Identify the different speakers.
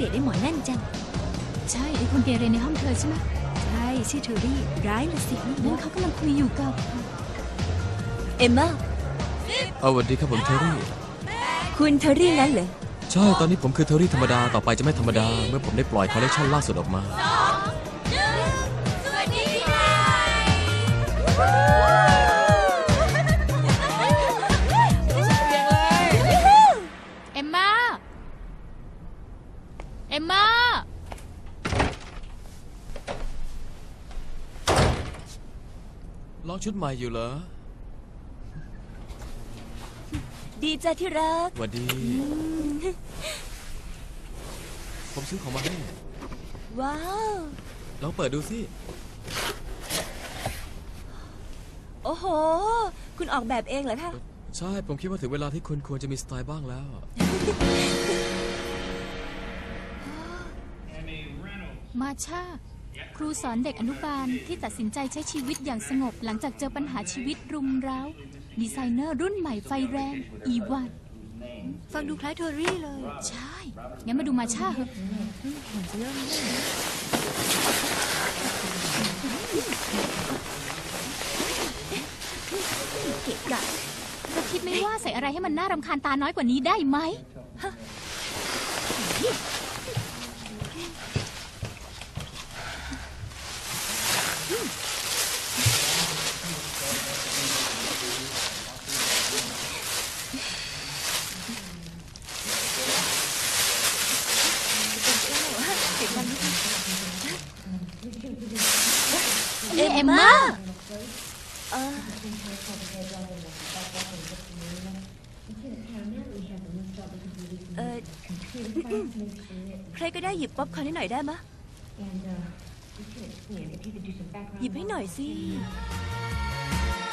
Speaker 1: ากได้หมอนั่นจัง
Speaker 2: ใช่ไอ้คนเกเรในห้องเธอใช่ไหม
Speaker 1: ใช่ชื่อเทอรี่ร้ายละสิ
Speaker 2: นั่นเขากำลังคุยอยู่กับ
Speaker 1: เอมม่า
Speaker 3: สวัสดีครับผมเทอรี่
Speaker 1: คุณเทอรี่งั้นเหรอ
Speaker 3: ใช่ตอนนี้ผมคือเทอรี่ธรรมดาต่อไปจะไม่ธรรมดาเมื่อผมได้ปล่อยคอลเลคชันล่าสุดออกมา
Speaker 2: สวัสดีค่ะเอมม่าเอมม่า
Speaker 3: ลองชุดใหม่อยู่เหรอ
Speaker 1: ดีจ้ะที่รัก
Speaker 3: สวัสดีผมซื้อของมาให้
Speaker 1: ว้าว
Speaker 3: ลองเปิดดูสิ
Speaker 1: โอ้โหคุณออกแบบเองเหรอคะ
Speaker 3: ใช่ผมคิดว่าถึงเวลาที่คุณควรจะมีสไตล์บ้างแล้ว
Speaker 2: มาชาครูสอนเด็กอนุบาลที่ตัดสินใจใช้ชีวิตอย่างสงบหลังจากเจอปัญหาชีวิตรุมเร้าดีไซเนอร์รุ่นใหม่ไฟแรงอีวาน
Speaker 1: ฟังดูคล้ายเทอรี่เลย
Speaker 2: ใช่งั้นมาดูมาชาเหอะเกะกะจะคิดไม่ว่าใส่อะไรให้มันน่ารำคาญตาน้อยกว่านี้ได้ไหมเอมม่า
Speaker 1: ใครก็ได้หยิบป๊อปคอร์นให้หน่อยได้มะหยิบให้หน่อยสิ